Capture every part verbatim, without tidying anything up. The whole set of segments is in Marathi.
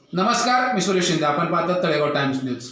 नमस्कार, मी सुरेश शिंदे. आपण पाहतात तळेगाव टाइम्स न्यूज.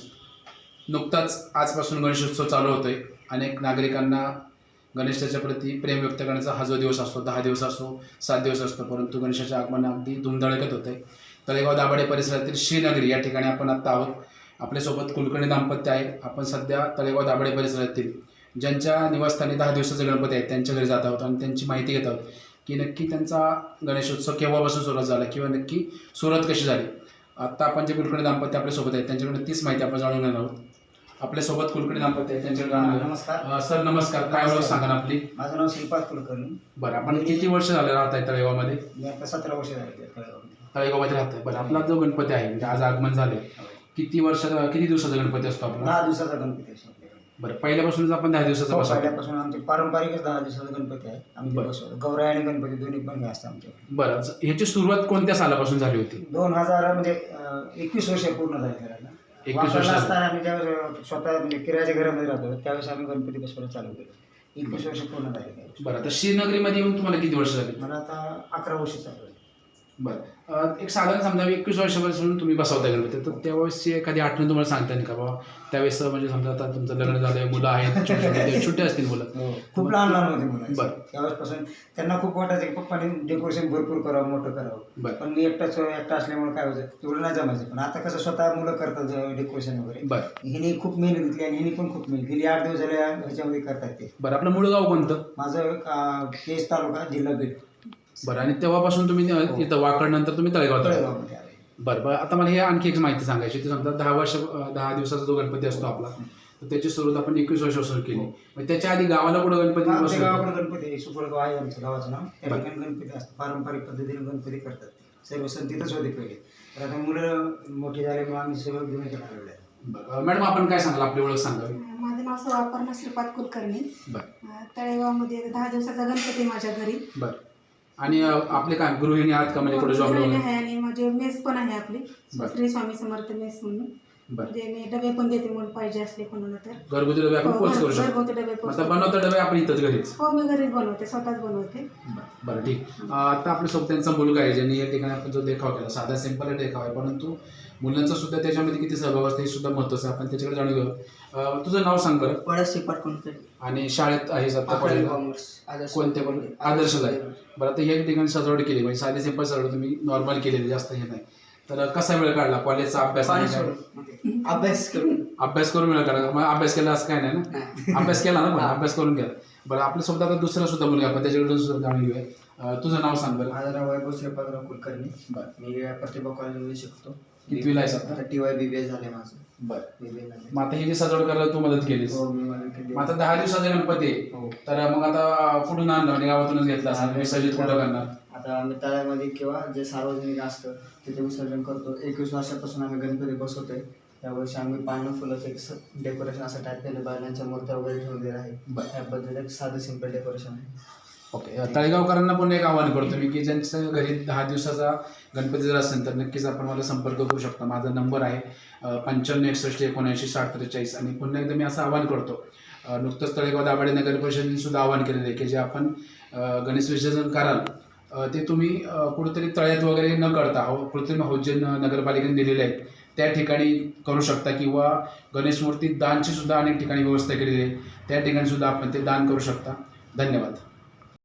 नुकताच आजपासून गणेशोत्सव चालू होतोय. अनेक नागरिकांना गणेशाच्या प्रती प्रेम व्यक्त करण्याचा हा जो दिवस असतो, दहा दिवस असो, सात दिवस असतो, परंतु गणेशाचे आगमन अगदी धुमधडकत होते. तळेगाव दाभाडे परिसरातील श्रीनगरी या ठिकाणी आपण आत्ता आहोत. आपल्यासोबत कुलकर्णी दाम्पत्य आहे. आपण सध्या तळेगाव दाभाडे परिसरातील ज्यांच्या निवासस्थानी दहा दिवसाचे गणपती आहेत त्यांच्या घरी जात आहोत आणि त्यांची माहिती घेत आहोत की नक्की त्यांचा गणेशोत्सव केव्हापासून सुरुवात झाला किंवा नक्की सुरुवात कशी झाली. आत्ता आपण जे कुलकर्णी दाम्पत्य आपल्यासोबत आहेत त्यांच्याकडून तीच माहिती आपण जाणून घेणार आहोत. आपल्यासोबत कुलकर्णी दाम्पत्य आहेत त्यांच्याकडे जाणून घेऊ. नमस्कार सर, नमस्कार. काय ओळख सांगा ना आपली? माझं नाव श्रीपाद कुलकर्णी. बरं, आपण किती वर्ष झाले राहत आहे तळेगावमध्ये? मी आता सतरा वर्ष झाले तळेगावमध्ये राहत आहे. बरं, आपला जो गणपती आहे म्हणजे आज आगमन झाले, किती वर्ष किती दिवसाचा गणपती असतो आपला? दहा दिवसाचा गणपती असतो. बरं, पहिल्यापासूनच आपण दहा दिवसाचा हो, बसवतो. पहिल्यापासून आमचे पारंपरिकच दहा दिवसाचा गणपती आहे. आम्ही बरं. बसवतो. गौराई आणि गणपती दोन्ही पण हे असतात आमच्याकडे. बरं, ह्याची सुरुवात कोणत्या सालापासून झाली होती? दोन हजार म्हणजे अं, एकवीस वर्ष पूर्ण झाले त्याला. एकवीस वर्ष वापरला असताना आम्ही ज्यावेळेस स्वतः म्हणजे किरायाच्या घरामध्ये राहतो त्यावेळेस आम्ही गणपती बसवायला चालू केलं. एकवीस वर्ष पूर्ण झाले त्यावेळेस. बरं, आता श्रीनगरीमध्ये येऊन तुम्हाला किती वर्ष झाली? मला आता अकरा वर्ष चालू आहे. बरं, अं, एक साधारण समजा एकवीस वर्षापासून तुम्ही बसवता गणपती, तर त्यावेळेसची एखादी आठवण तुम्हाला सांगता येईल का बाबा? त्यावेळेस म्हणजे समजा आता तुमचं लग्न झालंय, मुलं आहेत, छोटे छोटे छोटे असतील मुलं. खूप लहान लहान होते मुलं. बरं. त्यावेळेसपासून त्यांना खूप वाटायचं की पप्पाने डेकोरेशन भरपूर करावं, मोठं करावं. बरं. पण मी एकटाच एकटा असल्यामुळे काय व्हायचं तेवढं नाही जमायचं. पण आता कसं स्वतः मुलं करतात डेकोरेशन वगैरे. बरं हिने खूप मेहनत घेतली आणि हिने पण खूप मेहनत गेली. आठ दिवस झाले ह्याच्यामध्ये करतात ते. बरं, आपलं मूळ गाव कोणतं? माझं अं, केज तालुका जिल्हा बीड. बरं, आणि तेव्हापासून तुम्ही अं, इथं वाकड नंतर तुम्ही तळेगाव तळेगाव तळेगावमध्ये आले. बरं बरं आता मला हे आणखी एक माहिती सांगायची. ते समजा दहा वर्ष अं, दहा दिवसाचा जो गणपती असतो आपला, तर त्याची सुरुवात आपण एकवीस वर्षापासून केली. मग त्याच्या आधी गावाला कुठं गणपती आमच्या बसवतो? गावाकडे गणपती आहे. सुपरगाव आहे आमचं गावाचं नाव. त्या ठिकाणी गणपती असतात. पारंपरिक पद्धतीने गणपती करतात. सर्व सण तिथंच होते पहिले. तर आता मुलं मोठी झाल्यामुळे आम्ही सगळं घेऊन आलेलो आहे. बरं, मॅडम आपण काय सांगाल? आपली ओळख सांगावी. माझं नाव सवापर्णा श्रीपाद कुलकर्णी. बरं अं, तळेगावमध्ये दहा दिवसाचा गणपती आहे माझ्या घरी. बरं, आणि अं, आपले काय गृहिणी आहात का? म्हणजे कुठे जॉब गृहिणी वगैरे? आहे आणि माझे मेस पण आहे आपली, बरं. श्री स्वामी समर्थ मेस म्हणून. बरं, म्हणजे मी डबे पण देते म्हणून पाहिजे असले कोणाला तर. घरगुती डबे आपण हो, पोच करू घर- शकतो. घरगुती डबे पोच आता करते. बनवता डबे आपण इथंच घरीच? हो, मी घरीच बनवते, स्वतःच बनवते. बरं, ठीक. अं, आता आपल्यासोबत त्यांचा मुलगा आहे ज्यांनी या ठिकाणी आपण जो देखाव केला, साधा सिंपल देखाव आहे, परंतु मुलांचा सुद्धा त्याच्यामध्ये किती सहभाग असतो हे सुद्धा महत्त्वाचं आहे. आपण त्याच्याकडे जाणून घेऊ. अं, तुझं नाव सांग बरं. पळस श्रीपाद कुलकर्णी. आणि शाळेत आहे सध्या कॉलेजला कोणत्या पण आदर्श आहे. बरं, आता या ठिकाणी सजावट केली म्हणजे साधी सिंपल सजावट तुम्ही नॉर्मल केलेली, जास्त हे नाही. तर कसा वेळ काढला? कॉलेजचा अभ्यास आणि काय? अभ्यास करून अभ्यास करून वेळ काढला? मग अभ्यास केला असं काय नाही ना? अभ्यास केला ना? पण अभ्यास करून गेला. बरं, आपल्यासोबत आता दुसरा सुद्धा मुलगा आपण त्याच्याकडून सुद्धा जाणून घेऊया. अं, तुझं नाव सांग बरं. माझं नाव वैभव श्रीपादराव कुलकर्णी. बरं, मी प्रतिभा कॉलेजमध्ये शिकतो. कितवीला आहेस आता? T Y B B S झाले माझं. बरं, बीबीए झाले. मग आता ही जी सजावट करायला तू मदत केलीस. हो, मी मला केली. मग आता दहा दिवसाचा गणपती आहे, हो. तर मग आता कुठून आणलं? म्हणजे गावातूनच घेतला असेल. विसर्जित कुठं करणार? आता आम्ही तळ्यामध्ये किंवा जे सार्वजनिक असतं तिथे विसर्जन करतो. एकवीस वर्षापासून आम्ही गणपती बसवतोय. त्यावर्षी आम्ही पानं फुलाचं एक डेकोरेशन असं टाईप केलं, बैलांच्या मूर्त्या वगैरे ठेवलेल्या आहे. बरं. त्या पद्धतीने एक साधं सिंपल डेकोरेशन आहे. ओके, तळेगावकरांना पण एक आवाहन करतो मी की ज्यांच्या घरी दहा दिवसाचा गणपती जर असेल तर नक्कीच आपण मला संपर्क करू शकता. माझा नंबर आहे अं, पंच्याण्णव एकसष्ट एकोणऐंशी साठ त्रेचाळीस. आणि पुन्हा एकदा मी असं आवाहन करतो, अं, नुकतंच तळेगाव दाभाडे नगर परिषदेने सुद्धा आवाहन केलेलं आहे की जे आपण अं, गणेश विसर्जन कराल अं, ते तुम्ही अं, कुठेतरी तळ्यात वगैरे न करता हो कृत्रिम हौजे नगरपालिकेने दिलेले आहेत त्या ठिकाणी करू शकता, किंवा गणेश मूर्ती दानची सुद्धा अनेक ठिकाणी व्यवस्था केलेली आहे, त्या ठिकाणी सुद्धा आपण ते दान करू शकता. धन्यवाद.